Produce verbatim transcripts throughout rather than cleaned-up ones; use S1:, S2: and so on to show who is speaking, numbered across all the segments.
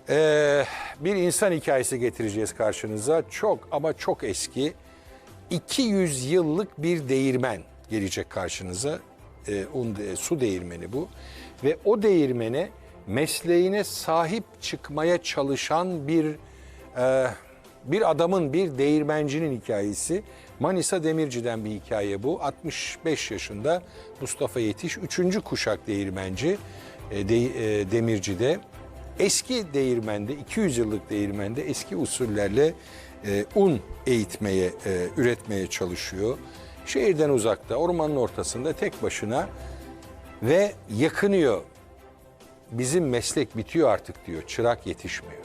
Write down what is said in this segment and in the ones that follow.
S1: Ee, bir insan hikayesi getireceğiz karşınıza. Çok ama çok eski. iki yüz yıllık bir değirmen gelecek karşınıza. Ee, un, de- su değirmeni bu. Ve o değirmene mesleğine sahip çıkmaya çalışan bir e, bir adamın, bir değirmencinin hikayesi. Manisa Demirci'den bir hikaye bu. altmış beş yaşında Mustafa Yetiş, üçüncü kuşak değirmenci e, de, e, Demirci'de. Eski değirmende, iki yüz yıllık değirmende eski usullerle e, un eğitmeye, e, üretmeye çalışıyor. Şehirden uzakta, ormanın ortasında tek başına ve yakınıyor. Bizim meslek bitiyor artık diyor, çırak yetişmiyor.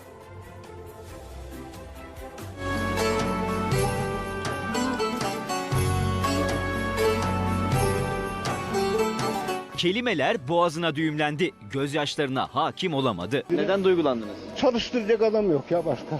S2: Kelimeler boğazına düğümlendi. Gözyaşlarına hakim olamadı. Neden duygulandınız?
S3: Çalıştıracak adam yok ya başka.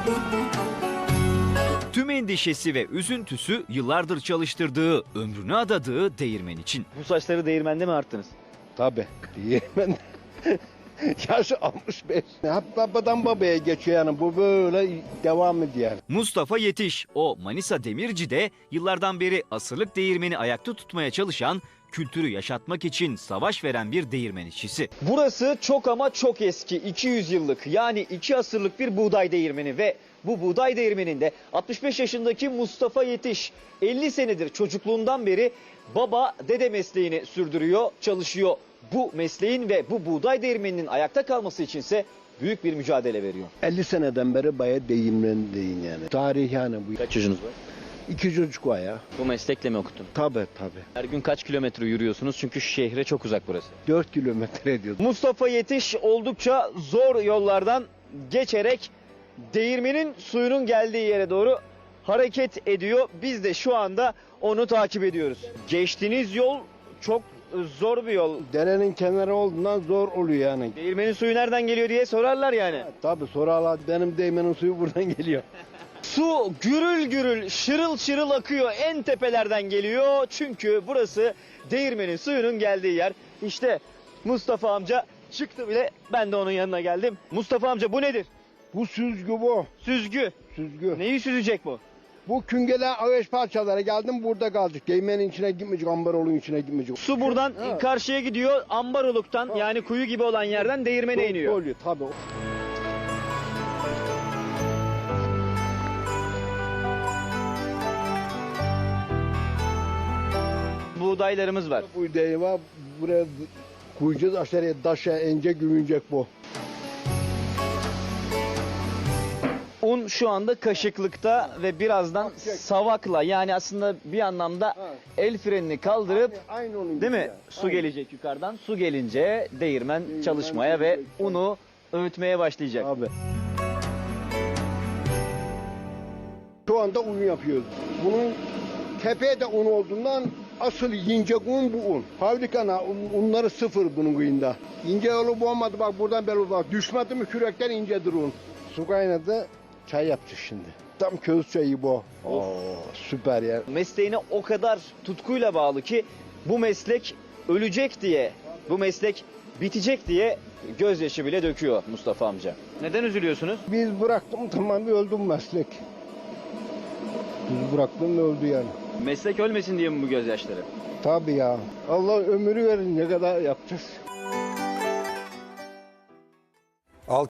S2: Tüm endişesi ve üzüntüsü yıllardır çalıştırdığı, ömrünü adadığı değirmen için. Bu saçları değirmende mi arttınız?
S3: Tabii. Ben yaşı altmış beş. Hep babadan babaya geçiyor yani bu böyle devam ediyor.
S2: Mustafa Yetiş, o Manisa Demirci'de yıllardan beri asırlık değirmeni ayakta tutmaya çalışan, kültürü yaşatmak için savaş veren bir değirmen işçisi. Burası çok ama çok eski, iki yüz yıllık, yani iki asırlık bir buğday değirmeni ve bu buğday değirmeninde altmış beş yaşındaki Mustafa Yetiş elli senedir çocukluğundan beri baba dede mesleğini sürdürüyor, çalışıyor. Bu mesleğin ve bu buğday değirmeninin ayakta kalması içinse büyük bir mücadele veriyor.
S3: elli seneden beri bayağı değirmendeyim yani. Tarih yani bu.
S2: Kaç çocuğunuz var?
S3: İki çocuk var ya.
S2: Bu meslekle mi okuttun?
S3: Tabii tabii.
S2: Her gün kaç kilometre yürüyorsunuz? Çünkü şehre çok uzak burası.
S3: Dört kilometre ediyor.
S2: Mustafa Yetiş oldukça zor yollardan geçerek değirmenin suyunun geldiği yere doğru hareket ediyor. Biz de şu anda onu takip ediyoruz. Geçtiğiniz yol çok zor bir yol.
S3: Derenin kenarı olduğundan zor oluyor yani.
S2: Değirmenin suyu nereden geliyor diye sorarlar yani.
S3: Tabii sorarlar benim değirmenin suyu buradan geliyor.
S2: Su gürül gürül, şırıl şırıl akıyor, en tepelerden geliyor. Çünkü burası değirmenin suyunun geldiği yer. İşte Mustafa amca çıktı bile, ben de onun yanına geldim. Mustafa amca bu nedir?
S3: Bu süzgü bu.
S2: Süzgü.
S3: Süzgü.
S2: Neyi süzecek bu?
S3: Bu küngeler ağaç parçaları geldim burada kaldık. Değirmenin içine gitmeyecek, ambarolun içine gitmeyecek.
S2: Su buradan
S3: Ha.
S2: karşıya gidiyor, Ambaroluk'tan yani kuyu gibi olan yerden değirmene iniyor.
S3: Oluyor tabii.
S2: Buğdaylarımız var.
S3: Bu deği var. Buraya koyacağız aşağıya taşa ince güvünecek bu.
S2: Un şu anda kaşıklıkta ve birazdan
S3: Akacak.
S2: savakla, yani aslında bir anlamda el frenini kaldırıp
S3: Aynı, aynı onun
S2: değil
S3: gibi
S2: mi?
S3: ya.
S2: Su
S3: Aynı.
S2: gelecek yukarıdan. Su gelince değirmen
S3: Değirmen
S2: çalışmaya ve
S3: çalışacak.
S2: unu öğütmeye başlayacak.
S3: Abi. Şu anda un yapıyoruz. Bunun tepeye de un olduğundan asıl ince un bu un. Fabrikana un, unları sıfır bunun kıyında. İnce yolu bu olmadı bak buradan belli bak. Düşmedi mi kürekten incedir un. Su kaynadı çay yapacak şimdi. Tam köz çayı bu. Oo, süper ya.
S2: Mesleğine o kadar tutkuyla bağlı ki bu meslek ölecek diye, bu meslek bitecek diye gözyaşı bile döküyor Mustafa amca. Neden üzülüyorsunuz?
S3: Biz bıraktım tamam öldüm meslek. Biz bıraktım öldü yani.
S2: Meslek ölmesin diye mi bu gözyaşları?
S3: Tabii ya. Allah ömrü verin ne kadar yapacağız.